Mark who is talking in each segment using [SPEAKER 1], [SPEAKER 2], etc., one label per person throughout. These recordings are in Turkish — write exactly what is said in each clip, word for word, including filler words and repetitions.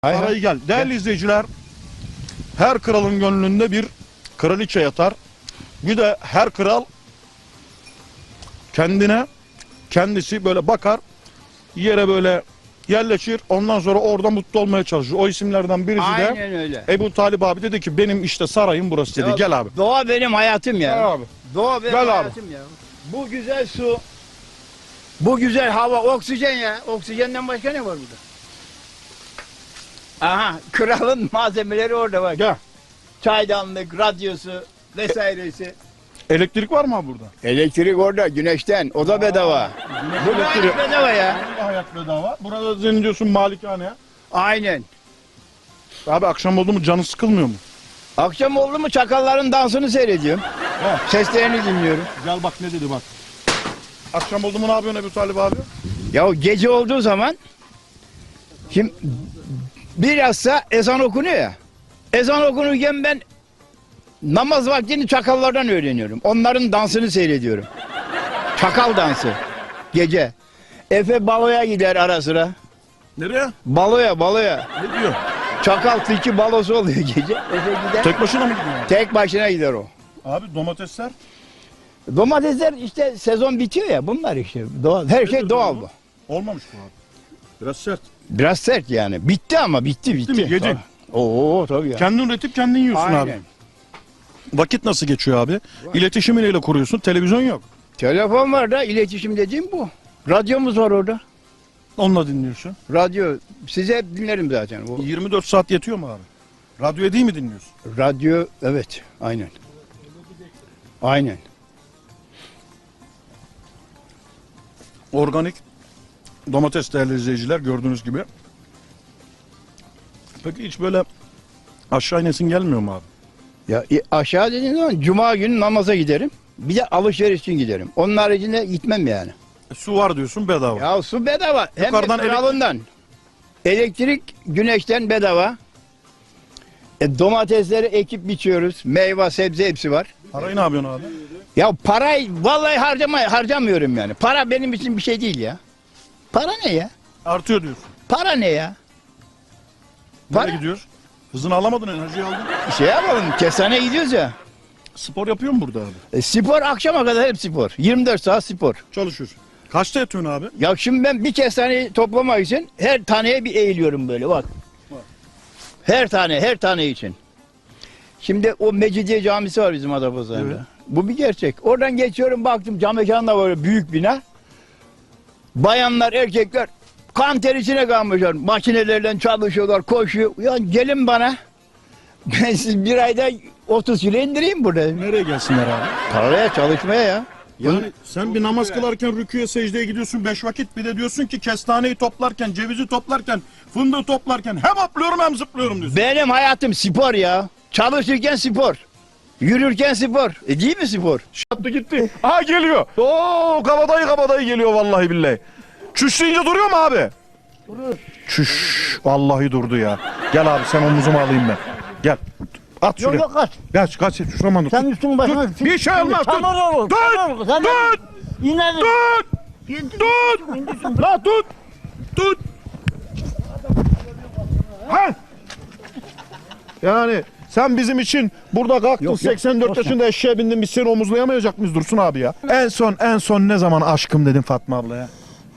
[SPEAKER 1] Sarayı gel. Değerli gel. izleyiciler, her kralın gönlünde bir kraliçe yatar. Bir de her kral kendine kendisi böyle bakar, yere böyle yerleşir. Ondan sonra orada mutlu olmaya çalışır. O isimlerden birisi
[SPEAKER 2] Aynen
[SPEAKER 1] de
[SPEAKER 2] öyle.
[SPEAKER 1] Ebu Talib abi dedi ki benim işte sarayım burası dedi. Ya, gel abi.
[SPEAKER 2] Doğa benim hayatım ya.
[SPEAKER 1] Gel abi.
[SPEAKER 2] Doğa benim
[SPEAKER 1] Gel
[SPEAKER 2] hayatım
[SPEAKER 1] abi.
[SPEAKER 2] ya. Bu güzel su, bu güzel hava, oksijen ya. Oksijenden başka ne var burada? Aha, kralın malzemeleri orada bak.
[SPEAKER 1] Gel.
[SPEAKER 2] Çaydanlık, radyosu vesairesi.
[SPEAKER 1] Elektrik var mı abi burada?
[SPEAKER 2] Elektrik orada, güneşten. O da bedava. Bu da
[SPEAKER 1] elektrik.
[SPEAKER 2] bedava ya.
[SPEAKER 1] Hayat bedava. Burada senin diyorsun malikane.
[SPEAKER 2] Aynen.
[SPEAKER 1] Abi akşam oldu mu canı sıkılmıyor mu?
[SPEAKER 2] Akşam oldu mu çakalların dansını seyrediyorum.
[SPEAKER 1] He.
[SPEAKER 2] Seslerini dinliyorum.
[SPEAKER 1] Gel bak ne dedi bak. Akşam oldu mu ne yapıyorsun Ebu Talib abi?
[SPEAKER 2] Ya gece olduğu zaman şimdi bilhassa ezan okunuyor ya. Ezan okunurken ben namaz vaktini çakallardan öğreniyorum. Onların dansını seyrediyorum. Çakal dansı. Gece. Efe baloya gider ara sıra.
[SPEAKER 1] Nereye?
[SPEAKER 2] Baloya baloya.
[SPEAKER 1] Ne diyor?
[SPEAKER 2] Çakal tilki balosu oluyor gece. Efe gider.
[SPEAKER 1] Tek başına mı gidiyor?
[SPEAKER 2] Tek başına gider o.
[SPEAKER 1] Abi domatesler.
[SPEAKER 2] Domatesler işte sezon bitiyor ya bunlar işte. Doğal. Her şey
[SPEAKER 1] Nedir
[SPEAKER 2] doğal
[SPEAKER 1] bu?
[SPEAKER 2] bu.
[SPEAKER 1] Olmamış bu abi. Biraz sert.
[SPEAKER 2] Biraz sert yani. Bitti ama bitti bitti.
[SPEAKER 1] mi? Yedin.
[SPEAKER 2] Tabii. Oo tabii ya.
[SPEAKER 1] Kendin üretip kendin yiyorsun
[SPEAKER 2] Aynen.
[SPEAKER 1] abi. Vakit nasıl geçiyor abi? İletişimi neyle kuruyorsun? Televizyon yok.
[SPEAKER 2] Telefon var da iletişim dediğim bu. Radyomuz var orada.
[SPEAKER 1] Onunla dinliyorsun.
[SPEAKER 2] Radyo size hep dinlerim zaten. O
[SPEAKER 1] yirmi dört saat yetiyor mu abi? Radyoya değil mi dinliyorsun?
[SPEAKER 2] radyo evet aynen. Aynen.
[SPEAKER 1] Organik domates değerli izleyiciler gördüğünüz gibi. Peki hiç böyle aşağı inesin gelmiyor mu abi?
[SPEAKER 2] Ya e, aşağı dediğin zaman cuma günü namaza giderim. Bir de alışveriş için giderim. Onun haricinde gitmem yani.
[SPEAKER 1] E, su var diyorsun bedava.
[SPEAKER 2] Ya su bedava. Hem
[SPEAKER 1] Yukarıdan
[SPEAKER 2] de kralından. Elektrik güneşten bedava. E, domatesleri ekip biçiyoruz. Meyve, sebze hepsi var.
[SPEAKER 1] Parayı ne yapıyorsun abi?
[SPEAKER 2] Ya parayı vallahi harcama, harcamıyorum yani. Para benim için bir şey değil ya. Para ne ya?
[SPEAKER 1] Artıyor diyorsun.
[SPEAKER 2] Para ne ya?
[SPEAKER 1] Nereye
[SPEAKER 2] Para.
[SPEAKER 1] gidiyoruz? Hızını alamadın, enerjiyi aldın.
[SPEAKER 2] Şey yapalım, kestaneye gidiyoruz ya.
[SPEAKER 1] Spor yapıyor mu burada abi?
[SPEAKER 2] E, spor akşama kadar hep spor. yirmi dört saat spor.
[SPEAKER 1] Çalışıyorsun. Kaçta yatıyorsun abi?
[SPEAKER 2] Ya şimdi ben bir kestaneyi toplamak için her taneye bir eğiliyorum böyle bak. Her tane, her tane için. Şimdi o Mecidiye Camisi var bizim Adapazarı'nda.
[SPEAKER 1] Evet.
[SPEAKER 2] Bu bir gerçek. Oradan geçiyorum baktım cam mekanında var büyük bina. Bayanlar, erkekler kan ter içine kalmışlar. Makinelerle çalışıyorlar, koşuyor. Ya gelin bana. Ben siz bir ayda otuz kilo indireyim burada.
[SPEAKER 1] Nereye gelsinler abi?
[SPEAKER 2] Paraya, çalışmaya ya.
[SPEAKER 1] Yani sen bir namaz kılarken rüküye secdeye gidiyorsun beş vakit, bir de diyorsun ki kestaneyi toplarken, cevizi toplarken, fındığı toplarken hem hopluyorum hem zıplıyorum diyorsun.
[SPEAKER 2] Benim hayatım spor ya. Çalışırken spor. Yürürken spor. E değil mi spor?
[SPEAKER 1] Şattı gitti. Aha geliyor. Oo kabadayı kabadayı geliyor vallahi billahi. Çüş deyince duruyor mu abi?
[SPEAKER 3] Durur.
[SPEAKER 1] Çüş. Vallahi durdu ya. Gel abi sen omuzuma alayım ben. Gel. At şuraya.
[SPEAKER 3] Yok yok kaç.
[SPEAKER 1] Kaç kaç şuraman
[SPEAKER 3] Sen üstün başına.
[SPEAKER 1] Tut. Bir şey olmaz. Tut.
[SPEAKER 3] Çamur olur.
[SPEAKER 1] Tut.
[SPEAKER 3] çamur olur. Sen
[SPEAKER 1] Tut.
[SPEAKER 3] İnerim.
[SPEAKER 1] Tut.
[SPEAKER 3] İndirsin,
[SPEAKER 1] Tut.
[SPEAKER 3] indirsin.
[SPEAKER 1] La tut. Tut. Ha. Yani sen bizim için burada kalktın
[SPEAKER 3] Yok, yok,
[SPEAKER 1] seksen dört
[SPEAKER 3] boş ver.
[SPEAKER 1] yaşında eşeğe bindin, biz seni omuzlayamayacak mıyız Dursun abi ya? En son en son ne zaman aşkım dedin Fatma ablaya?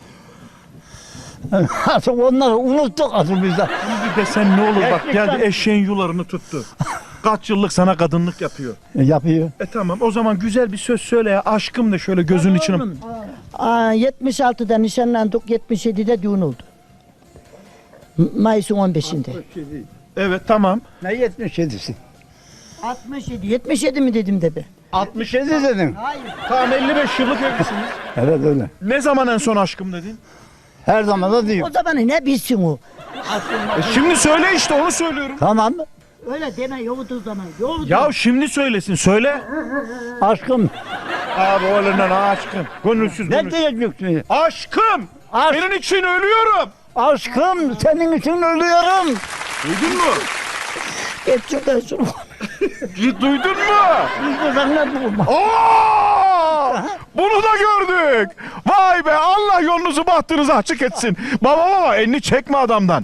[SPEAKER 3] Artık onları unuttuk asıl bizde.
[SPEAKER 1] Bir de sen ne olur bak
[SPEAKER 3] Gerçekten.
[SPEAKER 1] geldi eşeğin yularını tuttu. Kaç yıllık sana kadınlık yapıyor.
[SPEAKER 3] E, yapıyor.
[SPEAKER 1] E tamam o zaman güzel bir söz söyle ya aşkım de şöyle gözün içine.
[SPEAKER 4] Aa, yetmiş altıda nişanlandık, yetmiş yedide düğün oldu. M- Mayıs'ın on beşinde.
[SPEAKER 1] Evet tamam.
[SPEAKER 2] Ne yetmiş yedisi?
[SPEAKER 4] altmış yedi, yetmiş yedi mi dedim de be?
[SPEAKER 2] altmış yedi dedin.
[SPEAKER 4] Hayır.
[SPEAKER 1] Tamam elli beş yıllık evlisiniz.
[SPEAKER 2] Evet öyle.
[SPEAKER 1] Ne zaman en son aşkım dedin?
[SPEAKER 2] Her zaman da değil.
[SPEAKER 4] O zaman ne bilsin o?
[SPEAKER 1] E şimdi söyle işte onu söylüyorum.
[SPEAKER 2] Tamam.
[SPEAKER 4] Öyle deme, yoğurduğu zaman. Yoğurdu.
[SPEAKER 1] Ya şimdi söylesin söyle.
[SPEAKER 2] Aşkım.
[SPEAKER 1] Abi oğlundan aşkım. Gönülsüz
[SPEAKER 2] Ne
[SPEAKER 1] konuş.
[SPEAKER 2] diyeceksin?
[SPEAKER 1] Aşkım.
[SPEAKER 2] Aşk.
[SPEAKER 1] Senin için ölüyorum.
[SPEAKER 2] Aşkım senin için ölüyorum.
[SPEAKER 1] Duydun mu?
[SPEAKER 4] Gerçekten şunu.
[SPEAKER 1] Duydun mu?
[SPEAKER 2] Biz de ne bulma.
[SPEAKER 1] Oo! Bunu da gördük. Vay be Allah yolunuzu bahtınızı açık etsin. Baba baba elini çekme adamdan.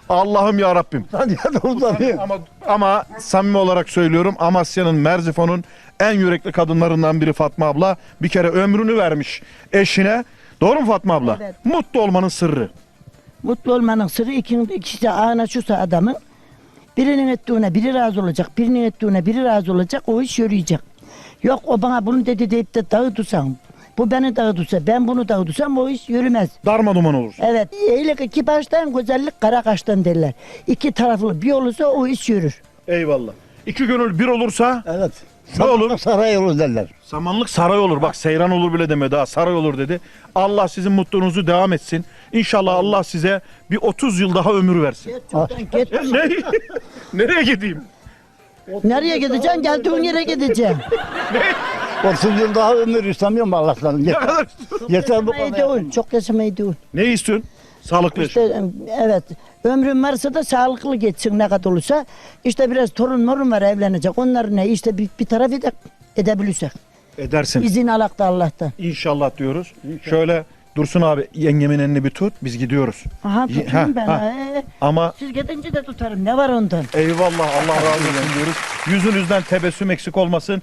[SPEAKER 1] Allah'ım ya Rabbim.
[SPEAKER 3] Hadi hadi uzanıyor.
[SPEAKER 1] Ama ama samimi olarak söylüyorum, Amasya'nın, Merzifon'un en yürekli kadınlarından biri Fatma abla. Bir kere ömrünü vermiş eşine. Doğru mu Fatma abla?
[SPEAKER 4] Evet.
[SPEAKER 1] Mutlu olmanın sırrı.
[SPEAKER 4] Mutlu olmanın sırrı ikinin ikisi de ağına şusa adamın. Birinin ettiğine biri razı olacak, birinin ettiğine biri razı olacak, o iş yürüyecek. Yok o bana bunu dedi deyip de dağıtırsam, bu beni dağıtırsa, ben bunu dağıtırsam o iş yürümez.
[SPEAKER 1] Darma duman olur.
[SPEAKER 4] Evet, iyilik iki baştan, güzellik kara kaştan derler. İki taraflı bir olursa o iş yürür.
[SPEAKER 1] Eyvallah. İki gönül bir olursa
[SPEAKER 3] Evet.
[SPEAKER 1] ne olur?
[SPEAKER 3] Saray olur derler.
[SPEAKER 1] Samanlık saray olur. Bak seyran olur bile demedi ha. Saray olur dedi. Allah sizin mutluluğunuzu devam etsin. İnşallah Allah size bir otuz yıl daha ömür versin.
[SPEAKER 4] Git.
[SPEAKER 1] Ne? Nereye gideyim?
[SPEAKER 4] Nereye gideceksin? Geldiğin yere gideceksin.
[SPEAKER 3] otuz yıl daha ömür istemiyorum Allah'tan.
[SPEAKER 1] Ne
[SPEAKER 3] Yeter,
[SPEAKER 1] kadar
[SPEAKER 3] yeter bu
[SPEAKER 4] Yaşamayı
[SPEAKER 3] kadar.
[SPEAKER 4] değil, çok yaşamayı değil.
[SPEAKER 1] Ne istiyorsun? Sağlıklı yaşa.
[SPEAKER 4] İşte evet, ömrün varsa da sağlıklı geçsin ne kadar olursa. İşte biraz torun morun var evlenecek. Onları ne işte bir, bir taraf ede, edebilirsek.
[SPEAKER 1] Edersin.
[SPEAKER 4] İzin alak da Allah'tan.
[SPEAKER 1] İnşallah diyoruz. Şöyle Dursun abi yengemin elini bir tut. Biz gidiyoruz.
[SPEAKER 4] Aha
[SPEAKER 1] Ye-
[SPEAKER 4] tutayım
[SPEAKER 1] ha,
[SPEAKER 4] ben.
[SPEAKER 1] ha.
[SPEAKER 4] ha.
[SPEAKER 1] Ama
[SPEAKER 4] Siz gidince de tutarım. Ne var ondan?
[SPEAKER 1] eyvallah Allah razı olsun diyoruz. Yüzünüzden tebessüm eksik olmasın.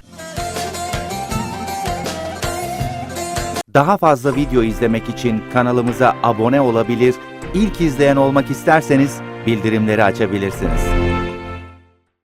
[SPEAKER 5] Daha fazla video izlemek için kanalımıza abone olabilir, ilk izleyen olmak isterseniz bildirimleri açabilirsiniz.